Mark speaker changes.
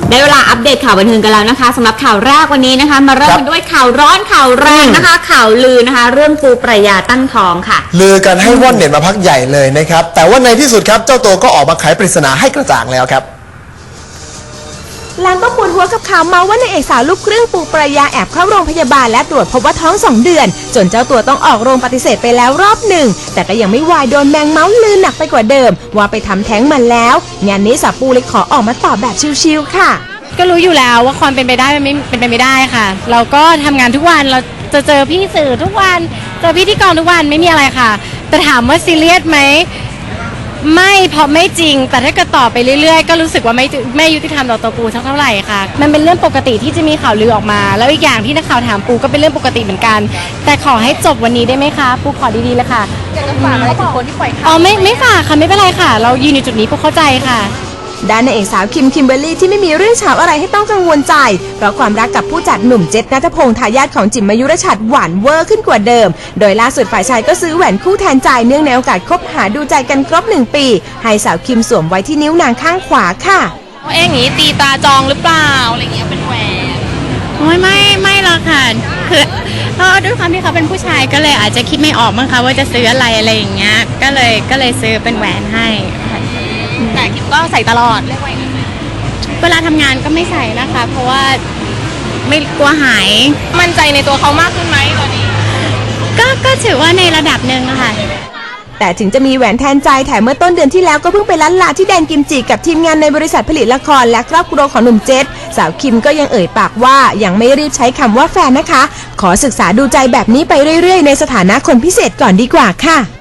Speaker 1: ได้เวลาอัปเดตข่าวบันเทิงกันแล้วนะคะสำหรับข่าวแรกวันนี้นะคะมาเริ่มกันด้วยข่าวร้อนข่าวแรงนะคะข่าวลือนะคะเรื่องปูปรายาตั้งท้องค่ะ
Speaker 2: ลือกันให้ว่อนเน็ตมาพักใหญ่เลยนะครับแต่ว่าในที่สุดครับเจ้าตัวก็ออกมาไขปริศนาให้กระจ่างแล้วครับ
Speaker 3: หลังก็ปวดหัวกับข่าวเมาว่านางเอกสาวลูกครึ่งปูปรายาแอบเข้าโรงพยาบาลและตรวจพบว่าท้อง2 เดือนจนเจ้าตัวต้องออกโรงปฏิเสธไปแล้วรอบหนึ่งแต่ก็ยังไม่วายโดนแมงเมาส์ลือหนักไปกว่าเดิมว่าไปทำแท้งมาแล้วงานนี้สาวปูเลยขอออกมาตอบแบบชิลๆค่ะ
Speaker 4: ก็รู้อยู่แล้วว่าความเป็นไปได้มันไม่เป็นไปไม่ได้ค่ะเราก็ทำงานทุกวันเราจะเจอพี่สื่อทุกวันเจอพี่ที่กองทุกวันไม่มีอะไรค่ะแต่ถามว่าซีเรียสไหมไม่เพราะไม่จริงแต่ถ้าเกิดต่อไปเรื่อยๆก็รู้สึกว่าไม่ยุติธรรมต่อตัวปูเท่าไหร่ค่ะมันเป็นเรื่องปกติที่จะมีข่าวลือออกมาแล้วอีกอย่างที่นักข่าวถามปูก็เป็นเรื่องปกติเหมือนกันแต่ขอให้จบวันนี้ได้ไหมคะปูขอดีๆเลยค่ะอยากจะฝากอะไรถึงคนที่ปล่อยข่าวอ๋อไม่ฝากค่ะไม่เป็นไรค่ะเรายืนอยู่จุดนี้ปูเข้าใจค่ะ
Speaker 3: ด้านนางเอกสาวคิมเบอร์รี่ที่ไม่มีเรื่องเฉาอะไรให้ต้องกังวลใจเพราะความรักกับผู้จัดหนุ่มเจษณัฐพงษ์ทายาทของจิ๋มมายุรชัดหวานเวอร์ขึ้นกว่าเดิมโดยล่าสุดฝ่ายชายก็ซื้อแหวนคู่แทนใจเนื่องในโอกาสคบหาดูใจกันครบ1 ปีให้สาวคิมสวมไว้ที่นิ้วนางข้างขวาค่ะ
Speaker 4: อย่างนี้ตีตาจองหรือเปล่าอะไรเงี้ยเป็นแหวนไม่หรอกค่ะคือด้วยความที่เขาเป็นผู้ชายก็เลยอาจจะคิดไม่ออกมั้งคะว่าจะซื้ออะไรอย่างเงี้ยก็เลยซื้อเป็นแหวนให้แต่คิมก็ใส่ตลอดเวลาทำงานก็ไม่ใส่นะคะเพราะว่าไม่กลัวหายมั่นใจในตัวเขามากขึ้นไหมตอนนี้ก็ถือว่าในระดับหนึ่งนะคะ
Speaker 3: แต่ถึงจะมีแหวนแทนใจแถมเมื่อต้นเดือนที่แล้วก็เพิ่งไปล้านลาที่แดนกิมจิกับทีมงานในบริษัทผลิตละครและครอบครัวของหนุ่มเจษสาวคิมก็ยังเอ่ยปากว่ายังไม่รีบใช้คำว่าแฟนนะคะขอศึกษาดูใจแบบนี้ไปเรื่อยๆในสถานะคนพิเศษก่อนดีกว่าค่ะ